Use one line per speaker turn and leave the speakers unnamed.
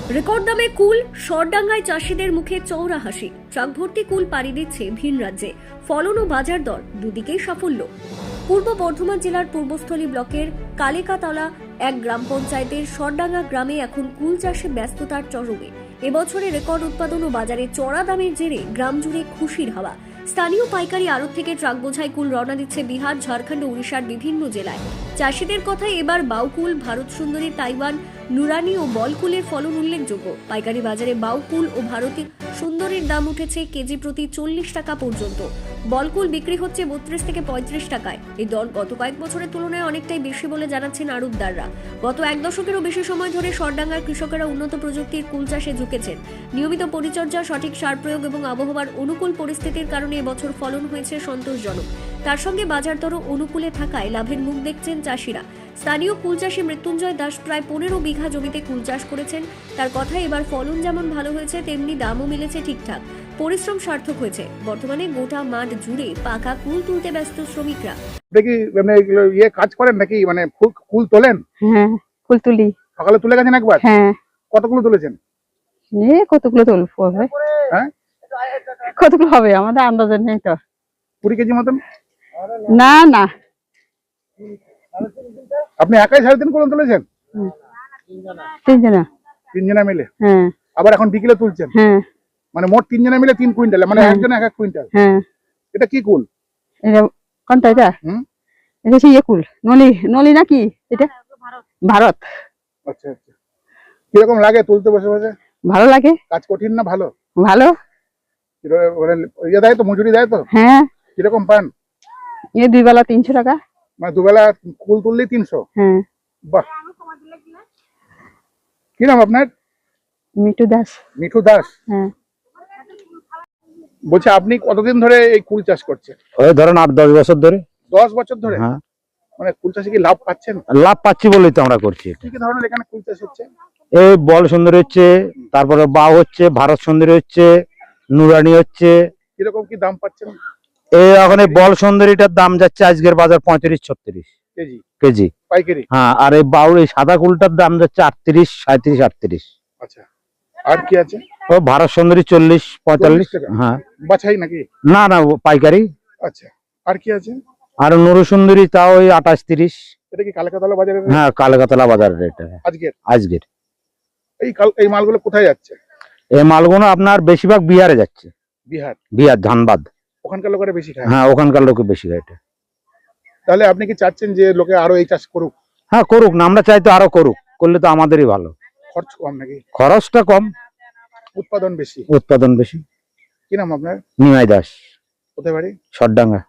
Record দামে কুল, সরডাঙ্গায় চাষিদের মুখে চওড়া হাসি। ট্রাক ভর্তি কুল পাড়ি দিচ্ছে ভিন রাজ্যে। ফলন ও বাজার দর দুদিকেই সাফল্য। পূর্ব বর্ধমান জেলার পূর্বস্থলী ব্লকের কালিকাতলা এক গ্রাম পঞ্চায়েতের সরডাঙ্গা গ্রামে এখন কুল চাষে ব্যস্ততার চরমে। এবছরে রেকর্ড উৎপাদন ও বাজারে চড়া দামের জেরে গ্রাম জুড়ে খুশির হাওয়া। স্থানীয় পাইকারি আড়ত থেকে ট্রাক বোঝাই কুল রওনা দিচ্ছে বিহার, ঝাড়খণ্ড ও উড়িষ্যার বিভিন্ন জেলায়। চাষিদের কথায় এবার বাউকুল, ভারত সুন্দরী, তাইওয়ান, নুরানি ও বলকুলের ফলন উল্লেখযোগ্য। পাইকারি বাজারে বাউকুল ও ভারতী সুন্দরীর দাম উঠেছে কেজি প্রতি 40 টাকা পর্যন্ত। বলকুল বিক্রি হচ্ছে 32 থেকে 35 টাকায়। এই দর গত কয়েক বছরের তুলনায় অনেকটাই বেশি বলে জানাচ্ছেন আড়তদাররা। গত এক দশকেরও বেশি সময় ধরে সরডাঙ্গার কৃষকেরা উন্নত প্রযুক্তির কুল চাষে ঝুঁকেছেন। নিয়মিত পরিচর্যা, সঠিক সার প্রয়োগ এবং আবহাওয়ার অনুকূল পরিস্থিতির কারণে এবছর ফলন হয়েছে সন্তোষজনক। তার সঙ্গে বাজার দরও অনুকূলে থাকায় লাভের মুখ দেখছেন চাষিরা। স্থানীয় কুল চাষী মৃত্যুঞ্জয় দাস প্রায় 15 বিঘা জমিতে কুল চাষ করেছেন। তার কথায় এবার ফলন যেমন ভালো হয়েছে তেমনি দামও মিলেছে ঠিকঠাক। পরিশ্রম সার্থক হয়েছে। বর্তমানে গোটা মাঠ জুড়ে পাকা কুল তুলতে ব্যস্ত শ্রমিকরা।
দেখি মানে কাজ করেন নাকি, মানে কুল তোলেন?
হ্যাঁ, ফুল তুলি।
সকালে তুলে গেছেন একবার?
হ্যাঁ।
কতগুলো তুলেছেন?
কতগুলো তুলবো হবে?
হ্যাঁ,
কতগুলো হবে আমাদের আন্দাজে নেই তো।
20 কেজি মতন?
না না,
আপনি একাই 3.5 কুল তুলেছেন?
তিনজনা।
3 জনা মিলে?
হ্যাঁ।
আবার এখন বিকেলে তুলছেন?
হ্যাঁ।
মানে মোট 3 জনা মিলে 3 কুইন্টাল, মানে একজন 1 কুইন্টাল।
হ্যাঁ।
এটা কি কুল?
এটা কোনটা? এটা এটা সেই কুল নলি, নলি নাকি এটা? ভারত।
আচ্ছা আচ্ছা। কিরকম লাগে তুলতে বসে বসে?
ভালো লাগে।
কাজ কঠিন না ভালো?
ভালো।
ইয়ে দেয় তো, মজুরি দেয় তো?
হ্যাঁ।
কিরকম পান?
দুই বেলা 300 টাকা।
মানে দুবেলা কুল তুললেই 300?
হ্যাঁ।
বাহ। কি নাম আপনার?
মিঠু দাস।
মিঠু দাস।
হ্যাঁ।
বলছি আপনি কতদিন ধরে এই কুল চাষ করছেন?
ওই ধরেন 8-10 বছর ধরে।
10 বছর ধরে?
হ্যাঁ।
মানে কুল চাষে কি লাভ পাচ্ছেন?
লাভ পাচ্ছি বলেই তো আমরা করছি।
কি কি ধরনের এখানে কুল চাষ হচ্ছে?
এই বল সুন্দরী হচ্ছে, তারপরে বাউ হচ্ছে, ভারত সুন্দরী হচ্ছে, নুরানি হচ্ছে।
কিরকম কি দাম পাচ্ছেন
এই এখন এই বল সুন্দরীটার দাম যাচ্ছে আজকের বাজার 35-36
কেজি?
কেজি
পাইকারি?
হ্যাঁ। আর এই বাউ, এই সাদা কুলটার দাম যাচ্ছে 38, 37, 38।
আচ্ছা। আর কি আছে?
ও ভারত সুন্দরী 40-45
টাকা?
হ্যাঁ।
বাছাই নাকি?
না না, পাইকারি।
আচ্ছা। আর কি আছে?
আর নুরু সুন্দরী তাও ওই 28-30।
এটা কি কালকাতলা বাজারে?
হ্যাঁ, কালকাতলা বাজারের এটা আজকের।
এই মালগুলো কোথায় যাচ্ছে?
এই মালগুলো আপনার বেশিরভাগ বিহারে যাচ্ছে। বিহার ধানবাদ।
ওখানকার লোকেরা বেশি খায়?
হ্যাঁ, ওখানকার লোকে বেশি খায় এটা।
তাহলে আপনি কি চাচ্ছেন যে লোকে আরো এই চাষ করুক?
হ্যাঁ, করুক না, আমরা চাই তো আরো করুক, করলে তো আমাদেরই ভালো।
খরচ কম নাকি?
খরচটা কম,
উৎপাদন বেশি।
উৎপাদন বেশি।
কি নাম আপনার?
নিমাই দাস।
কোথায় বাড়ি?
সরডাঙ্গা।